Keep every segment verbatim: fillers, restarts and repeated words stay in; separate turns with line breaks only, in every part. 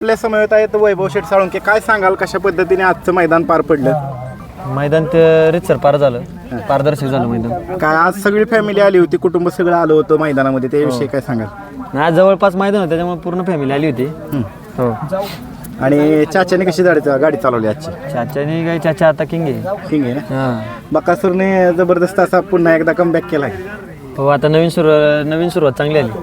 आपल्या समवेत आहेत वैभव शेठ साळुंके. काय सांगाल कशा पद्धतीने आजचं मैदान पार पडलं?
मैदान ते रितसर पार झालं, पारदर्शक झालं मैदान.
काय आज सगळी फॅमिली आली होती, कुटुंब सगळं आलं होतं मैदानामध्ये, त्याविषयी काय सांगाल?
आज जवळपास मैदान होतं त्याच्यामुळे पूर्ण फॅमिली आली होती. हो.
आणि चाच्याने कशी गाडी गाडी चालवली आजची?
चाच्याने काय, चाचा आता किंग आहे.
किंग आहे ना.
हां.
बकासूरने जबरदस्त असा पुन्हा एकदा कमबॅक केलाय.
हो, आता नवीन सुरू नवीन सुरुवात चांगली आली.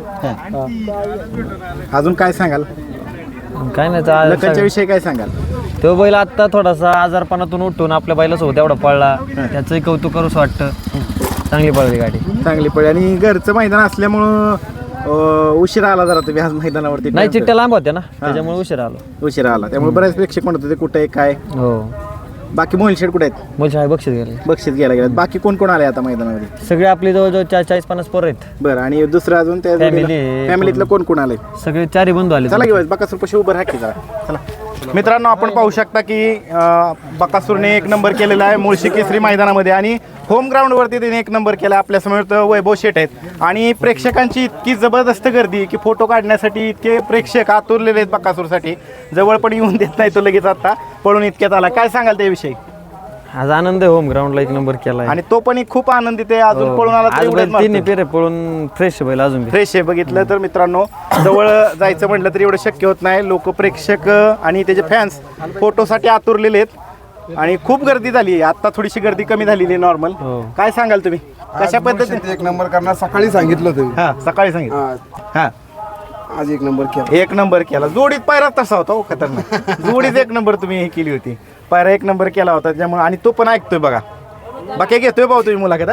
अजून काय सांगाल?
काय नाही तर
लखनच्या विषयी काय सांगाल?
तो बैल आता थोडासा आजारपणातून उठून आपल्या बैलासोबत एवढा पळला, त्याचंही कौतुक करूच वाटतं. चांगली पळली गाडी,
चांगली पळली. आणि घरचं मैदान असल्यामुळं अं, उशिरा आला जरा तुम्ही आज मैदानावरती.
नाही चिट्ट्या लांब होत्या ना, त्याच्यामुळे उशीर आलो.
उशिरा आला त्यामुळे बऱ्याच प्रेक्षक म्हणत होते कुठे काय.
हो.
बाकी मोहिल शेठ कुठे आहेत?
मुलशी आहे, बक्षीस गेले.
बक्षीस घ्यायला गेल्यात. बाकी कोण कोण आले आता मैदानामध्ये?
सगळे आपले जवळजवळ चार चाळीस पन्नास पोरं आहेत.
बरं. आणि दुसरं अजून त्या
Family-
फॅमिलीतलं कोण कोण आले?
सगळे चारही बंधू आले.
चला घेऊ बकासूर पशी उभं राहा की जरा. चला मित्रांनो, आपण पाहू शकता की अं, बकासूरने एक नंबर केलेला आहे मुळशी केसरी मैदानामध्ये आणि होम ग्राउंडवरती त्याने एक नंबर केला. आपल्यासमोर वैभव शेठ आहेत आणि प्रेक्षकांची इतकी जबरदस्त गर्दी की फोटो काढण्यासाठी इतके प्रेक्षक आतुरलेले आहेत बकासूरसाठी. जवळ पण येऊन देत नाही तो लगेच आता पळून इतक्यात आला. काय सांगाल त्याविषयी?
आज आनंद आहे, होम ग्राउंडला एक नंबर केला.
आणि तो पण खूप आनंदित आहे. अजून पळून आला तर एवढंच
तीन
मारतो.
पेरे पळून फ्रेश बैल अजून बी.
फ्रेश आहे. बघितलं तर मित्रांनो, जवळ जायचं म्हटलं तर एवढं शक्य होत नाही. लोक प्रेक्षक आणि त्याचे फॅन्स फोटोसाठी आतुरलेले आहेत आणि खूप गर्दी झाली आहे. आता थोडीशी गर्दी कमी झालेली आहे नॉर्मल.
हो.
काय सांगाल तुम्ही कशा पद्धतीने?
एक नंबर करणार सकाळी सांगितलं होतं.
हा, सकाळी सांगितलं. हा,
आज एक नंबर केला.
एक नंबर केला. जोडीत पायरा तसा होता हो, खतरनाक. जोडीत एक नंबर तुम्ही हे केली होती. पायरा एक नंबर केला होता त्यामुळे. आणि तो पण ऐकतोय बघा. बाकी घेतोय भाऊ तुम्ही मुलाखत?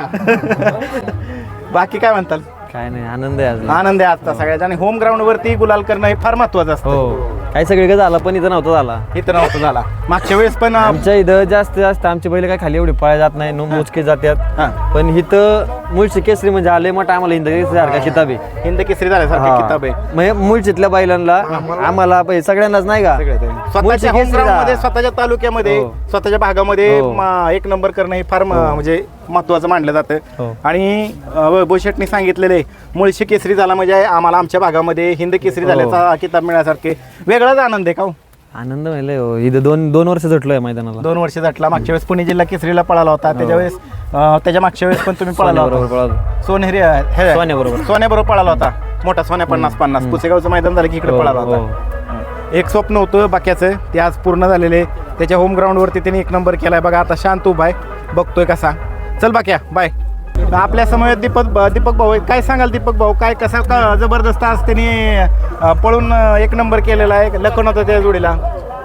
बाकी काय म्हणताल?
काय नाही, आनंद आहे आज.
आनंद आहे आजचा सगळ्याचा. आणि होम ग्राउंड वरती गुलाल करणं हे फार महत्वाचं असतं.
हो. काही सगळीकडे झाला पण इथं नव्हतं झाला.
इथं नव्हतं झाला. मागच्या वेळेस पण
आमच्या इथं जास्त जास्त आमची बैल काय खाली एवढी पळा जात नाही, नो मोजके जातात.
हा.
पण इथं मुळशी केसरी म्हणजे आले मोठा आम्हाला हिंद केसरी सारखा किताब आहे.
हिंद केसरी झाल्यासारखी किताब आहे.
म्हणजे मुळशीतल्या बैलांना आम्हाला पहिले सगळ्यांनाच नाही का
स्वतःच्या
मुळशी
होम
केसरीला.
ग्राउंडमध्ये, स्वतःच्या तालुक्यामध्ये,
हो.
स्वतःच्या भागामध्ये
हो.
म- एक नंबर करणं हे फार म- म्हणजे महत्वाचं मानलं जातं.
हो.
आणि वैभव शेठने सांगितलेले मुळशी केसरी झाला म्हणजे आम्हाला आमच्या भागामध्ये हिंद केसरी झाल्याचा किताब मिळण्यासारखे वेगळाच आनंद आहे का हो?
आनंद म्हणजे हो. इथं दोन दोन वर्ष झटलोय मैदानाला.
दोन वर्ष झटला. मागच्या वेळेस पुणे जिल्हा केसरीला पळाला होता. त्याच्या वेळेस अं, त्याच्या मागच्या वेळेस पण तुम्ही पळाला
बरोबर
होता.
पळालो.
सोनेरी हे-
सोन्याबरोबर.
सोन्याबरोबर पळाला होता. मोठा सोन्या पन्नास पन्नास पुसेगावचं मैदान झालं की इकडे
हो,
पळाला
हो.
होता. एक स्वप्न होतं बाक्याचं, ते आज पूर्ण झालेले. त्याच्या होम ग्राउंडवरती त्याने एक नंबर केलाय बघा. आता शांत उभा आहे, बघतोय कसा. चल बाक्या बाय. आपल्या समोर दीपक दीपक भाऊ आहेत. काय सांगाल दीपक भाऊ? काय कसा का जबरदस्त आज त्यांनी अं, पळून अं, एक नंबर केलेला आहे. लखन होता त्या जोडीला.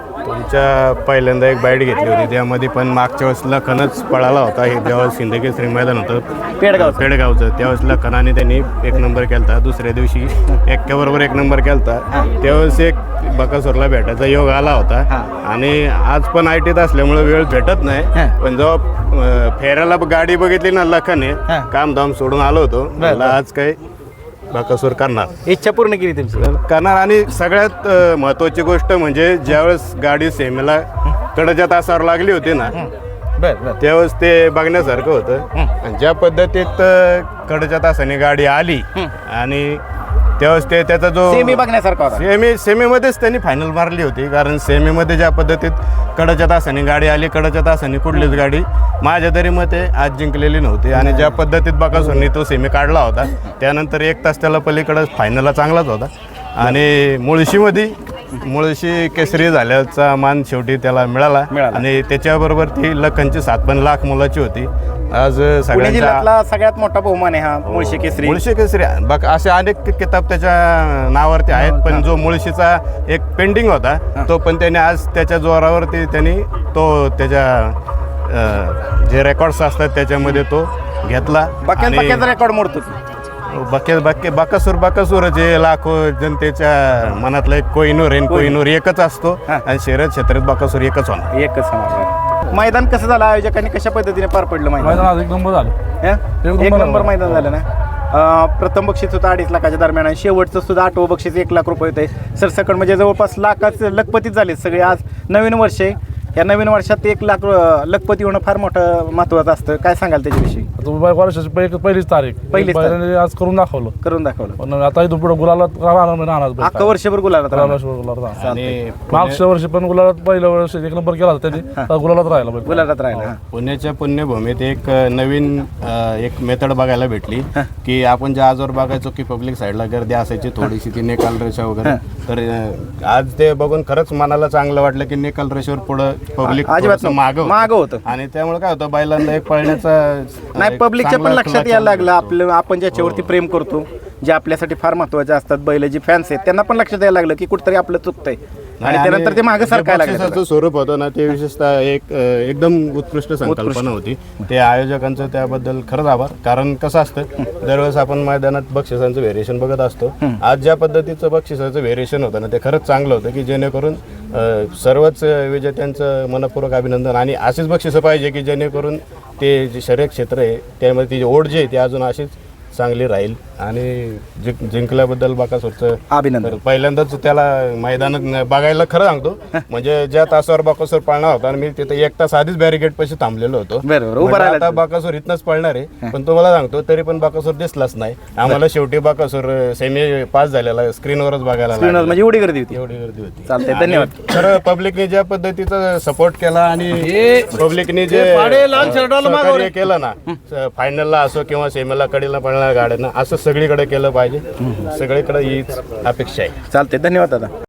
तुमच्या पहिल्यांदा एक बाईट घेतली होती, त्यामध्ये पण मागच्या वेळेस लखनच पळाला होता. हे त्यावेळेस सिंदकेसरी मैदान होतं
पेडगाव
पेडगावचं. त्यावेळेस लखनाने त्यांनी एक नंबर केला. दुसऱ्या दिवशी एक्क्याबरोबर एक नंबर केला. त्यावेळेस एक बकासूरला भेटायचा योग आला होता. आणि आज पण आय टीत असल्यामुळे वेळ भेटत नाही. पण जेव्हा अं, फेऱ्याला गाडी बघितली ना लखने, काम धाम सोडून आलो होतो. मला आज काही बकासूर करणार,
इच्छा पूर्ण केली तुमची.
करणार. आणि सगळ्यात अ, महत्त्वाची गोष्ट म्हणजे ज्यावेळेस गाडी सेमीला कडच्या तासावर लागली होती ना,
बर बर.
त्यावेळेस ते बघण्यासारखं होतं. आणि ज्या पद्धतीत अ, कडच्या तासाने गाडी आली आणि त्यावेळेस ते त्याचा जो
सेमी बघण्यासारखा होता.
सेमी सेमीमध्येच त्यांनी फायनल मारली होती. कारण सेमीमध्ये ज्या पद्धतीत कडच्या तासाने गाडी आली, कडच्या तासाने कुठलीच गाडी माझ्या तरी मते आज जिंकलेली नव्हती. आणि ज्या पद्धतीत बकासूरने तो सेमी काढला होता, त्यानंतर एक तास त्याला पलीकडं फायनलला चांगलाच होता. आणि मुळशीमध्ये मुळशी केसरी झाल्याचा मान शेवटी त्याला मिळाला. आणि त्याच्याबरोबर ती लखनची सात पण लाख मुलाची होती. आज
पुणे
सगळ्यांच्या
जिल्ह्यातला सगळ्यात मोठा बहुमान आहे हा मुळशी केसरी.
मुळशी केसरी बघ, असे अनेक किताब त्याच्या नावावरती आहेत. पण जो मुळशीचा एक पेंडिंग होता, तो पण त्याने आज त्याच्या जोरावरती त्यांनी तो त्याच्या अं, जे रेकॉर्ड्स असतात त्याच्यामध्ये तो घेतला.
बाक्यात बाक्याचा रेकॉर्ड मोडतो.
बके बके बकासूर बकासूरच हे लाखो जनतेच्या मनातलं एक कोहिनूर आहे. कोहिनूर एकच असतो आणि शर्यत क्षेत्रात बकासूर एकच होणार.
एकच होणार. मैदान कसं झालं? आयोजकांनी कशा पद्धतीने पार पडलं मैदान?
मैदान आज एक नंबर झालं.
हं? एक नंबर मैदान झालं ना. अं, प्रथम बक्षीस होतं अडीच लाखाच्या दरम्यान आणि शेवटचं सुद्धा आठवं बक्षीस एक लाख रुपये होते. सरसकट म्हणजे जवळपास लाखाच लखपतीच झाले सगळे. आज नवीन वर्ष आहे. या नवीन वर्षात एक लाख अं, लखपती होणं फार मोठं महत्त्वाचं असतं. काय सांगाल त्याच्याविषयी?
आता वर्षाची पहिली पहिलीच तारीख
पहिलीच तारीख.
बैलाने आज करून दाखवलं.
करून दाखवलं.
पण आता इथून पुढे गुलालात राहणार नाही राहणार बैल.
अख्खं वर्षभर गुलालात राहणार.
गुलालात गुलालात राहणार.
आणि
मागच्या वर्षी पण गुलालात पहिल्या वर्षी एक नंबर केला होता त्यांनी आता गुलालात राहिला बैल.
गुलालात राहिला. हां.
पुण्याच्या पुण्यभूमीत एक अ, नवीन अ, एक मेथड बघायला भेटली की आपण ज्या आजवर बघायचो की पब्लिक साईडला गर्दी असायची थोडीशी ती निकाल रेषा वगैरे, तर अ, आज ते बघून खरंच मनाला चांगलं वाटलं की निकाल रेषेवर पुढं पब्लिक
अजिबात
मागं
मागं होतं.
आणि त्यामुळे काय होतं बैलांना एक पळण्याचा
नाही,
एक
पब्लिकच्या पण
चांगला
लक्षात
clutch
यायला लागलं
भेटतो.
आपलं आपण ज्याच्यावरती प्रेम करतो, जे आपल्यासाठी फार महत्वाचे असतात, बैल जी फॅन्स आहेत त्यांना पण लक्षात यायला लागलं की कुठतरी आपलं चुकतंय आणि त्यानंतर ते मागे
जे
सरकायला लागलं.
बक्षिसाचं स्वरूप होतं ना ते विशेषतः एक अ, एकदम उत्कृष्ट संकल्पना होती. ते आयोजकांचं त्याबद्दल खरंच आभार. कारण कसं असतं, दरवेळेस आपण मैदानात बक्षिसांचं व्हेरिएशन बघत असतो. आज ज्या पद्धतीचं बक्षिसाचं व्हेरिएशन होतं ना ते खरंच चांगलं होतं की जेणेकरून अ, सर्वच विजेत्यांचं मनपूर्वक अभिनंदन. आणि अशीच बक्षिसं पाहिजे की जेणेकरून ते जे शर्यत क्षेत्र आहे त्यामध्ये ती ओढ जी आहे ती अजून अशीच चांगली राहील. आणि जिंक जिंकल्याबद्दल बाकासूरचं
अभिनंदन.
पहिल्यांदाच त्याला मैदानात बघायला खरं सांगतो, म्हणजे ज्या तासावर बाकासूर पळणार होता आणि मी तिथे एक तास आधीच बॅरिकेड पाशी थांबलेलो होतो.
बरोबर, उभं
म्हटलं
राहिला
आता बाकासूर इथनच पळणार आहे, पण तुम्हाला सांगतो तरी पण बाकासूर दिसलाच नाही आम्हाला. शेवटी बाकासूर सेमी पास झालेला स्क्रीनवरच बघायला
स्क्रीनवर
लागला.
म्हणजे एवढी गर्दी होती.
एवडी गर्दी होती.
चालतंय,
आणि
धन्यवाद.
खरं पब्लिकने ज्या पद्धतीचा सपोर्ट केला आणि पब्लिकने जे सहकार्य केलं ना, फायनलला असो किंवा सेमीला कडीला पळणाऱ्या गाड्यांना, असं सगळीकडे केलं पाहिजे. सगळीकडे हीच अपेक्षा आहे.
चालते, धन्यवाद दादा.